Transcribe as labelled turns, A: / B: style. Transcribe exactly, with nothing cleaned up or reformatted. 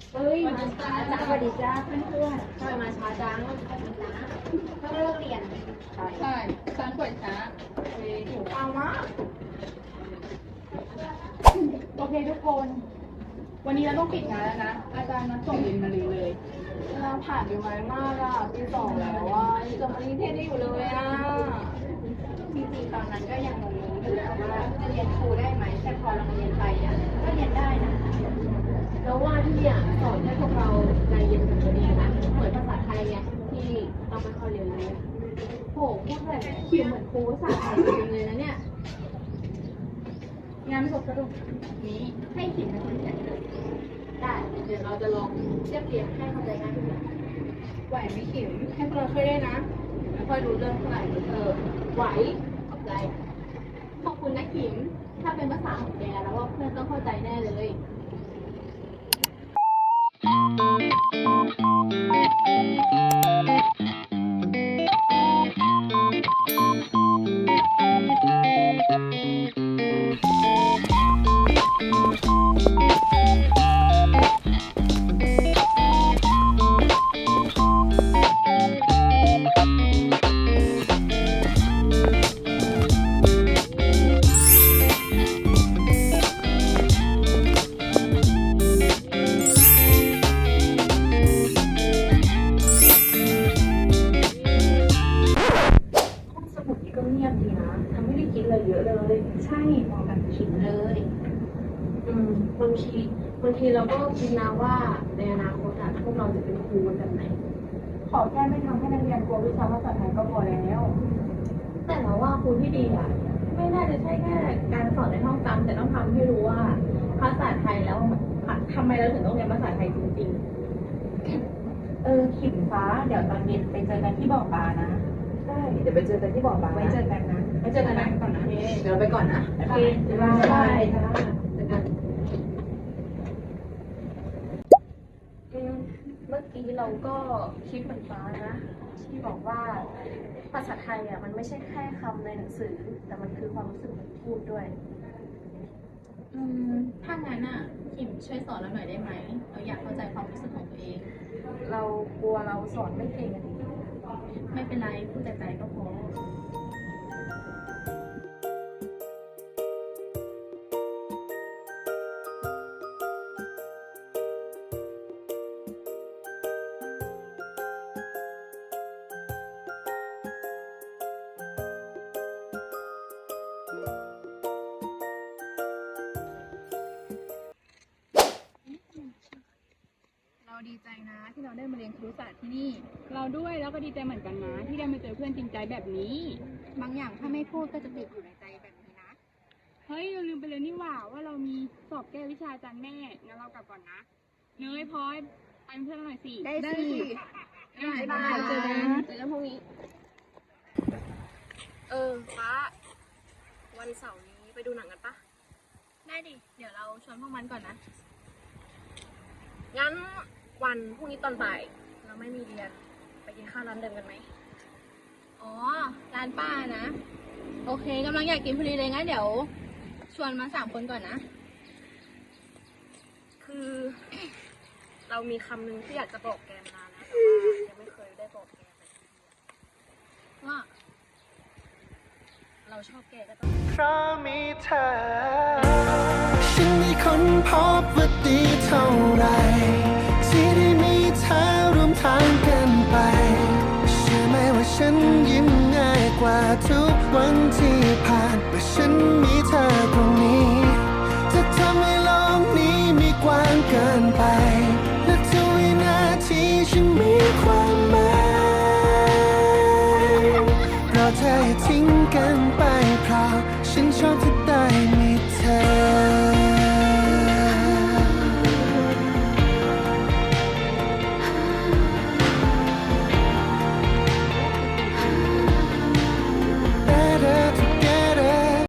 A: เฮ้ยมาช้าจ้าสวัสดีจ้าเพื่อนๆทำไมมาช้าจังนะถ้าไม่เลิกเรียนใช่
B: ใช่ฉันป่วยช้าเฮ้ย
A: หิวข้าวมาก
B: โอเคทุกคน วันนี้เราต้องปิดงานแล้วนะ อาจารย์นัดส่งบินมาเลยเลย
A: เราผ่านอยู่ไหมมากอ่ะปีสองแล้วอ่ะยังจะมานิเทศได้อยู่เลยอ่ะจริงๆตอนนั้นก็ยังงงๆอยู่นะว่าจะเรียนครูได้ไหมแต่พอเราเรียนไปอ่ะก็เรียนได้นะแล้วว่าที่เนี่ยสอนให้พวกเราใจเย็นกับตัวเองนะเหมือนภาษาไทยไงที่ต้องไม่ค่อยเรียนรู้โหพูดแบบคิวเหมือนครูภาษาไทยจริงเลยนะเนี่ย
B: งานสดสรุปนี้
A: ให้ขิมเป็นคนจัดเลยได้เดี๋ยวเราจะลองเรียบเรียงให้เข้าใจง่ายขึ้น
B: ไหวไหม่ขิมให้พวกเราช่วยได้นะ
A: ไม่ค่อยรู้เรื่องเท่าไหร่เออไหวขอบใจขอบคุณนะขิมถ้าเป็นภาษาของแกแล้วว่าเพื่อนต้องเข้าใจแน่เลยสมุดนี้ก็เงียบดีนะทำให้ได้คิดอะไรเยอะเลยใช่มองกันขิมเลยอืมบางทีบางทีเราก็คิดนะว่าในอนาคตอะพวกเราจะเป็นครูกันแบบไหน
B: ขอแค่ไม่ทำให้นักเรียนกลัววิชาภาษาไทยก็พอแล้ว
A: แต่เราว่าครูที่ดีอ่ะไม่น่าจะใช่แค่การสอนในห้องจำแต่ต้องทำให้รู้ว่าภาษาไทยแล้วทำไมเราถึงต้องเรียนภาษาไทยจริงๆ เออขิมฟ้าเดี๋ยวตอนเย็นไปเจอกันที่บ่อปลานะใช่เดี๋ยวไปเจอกันที่บ่อปลาไว้เจอกันนะไว้เจอกันนะก่อนนะเดี๋ยวเราไปก่อนนะโอเคบ๊ายบายจ้าเจอกันอืมเมื่อกี้เราก็คิดเหมือนฟ้านะที่บอกว่าภาษาไทยอ่ะมันไม่ใช่แค่คำในหนังสือ แต่มันคือความรู้สึกของพูดด้วย
B: อืม ถ้างั้นอ่ะขิมช่วยสอนเราหน่อยได้ไหม เราอยากเข้าใจความรู้สึกของตัวเอง
A: เรากลัวเราสอนไม่เก่งอะดิ
B: ไม่เป็นไรพูดแต่ใจก็พอ เราดีใจนะที่เราได้มาเรียนครุศาสตร์ที่นี่
C: เราด้วยแล้วก็ดีใจเหมือนกันนะที่ได้มาเจอเพื่อนจริงใจแบบนี้
B: บางอย่างถ้าไม่พูดก็จะติดอยู่ในใจแบบนี้นะ
C: เฮ้ยเราลืมไปเลยนี่หว่าว่าเรามีสอบแก้วิชาอาจารย์แม่งั้นเรากลับก่อนนะเนยพลอยไปเป็นเพื่อนเราหน่อยสิ
B: ได้สิ
C: บ๊ายบาย
A: เจอกันเจอกันพรุ่งนี้ เออฟ้า วันเสาร์นี้ไปดูหนังกันปะ
B: ได้ดิ เดี๋ยวเราชวนพวกมันก่อนนะ
A: งั้นวันพรุ่งนี้ตอนบ่ายเราไม่มีเรียน ไปกินข้าวร้านเดิมกันไหม
B: อ๋อ ร้านป้านะ โอเคกำลังอยากกินพอดีเลยงั้นเดี๋ยว ชวนมาสามคนก่อนนะ
A: คือ เรามีคำหนึ่งที่อยากจะบอกแกมานานแล้วแต่ว่ายังไม่เคยได้บอกแกเลย
B: ว่า
A: เราชอบแกก็ต้อง
D: เพราะมีเธอ ฉันไม่ค้นพบว่าดีเท่าไรที่ได้มีเธอร่วมทางกันไปเชื่อไหมว่าฉันยิ้มง่ายกว่าทุกวันที่ผ่านเพราะฉันมีเธอตรงนี้จะทำให้โลกนี้มีกว้างเกินไปและทุกวินาทีฉันมีความหมายเราเธออย่าทิ้งกันไปเพราะฉันชอบเธอ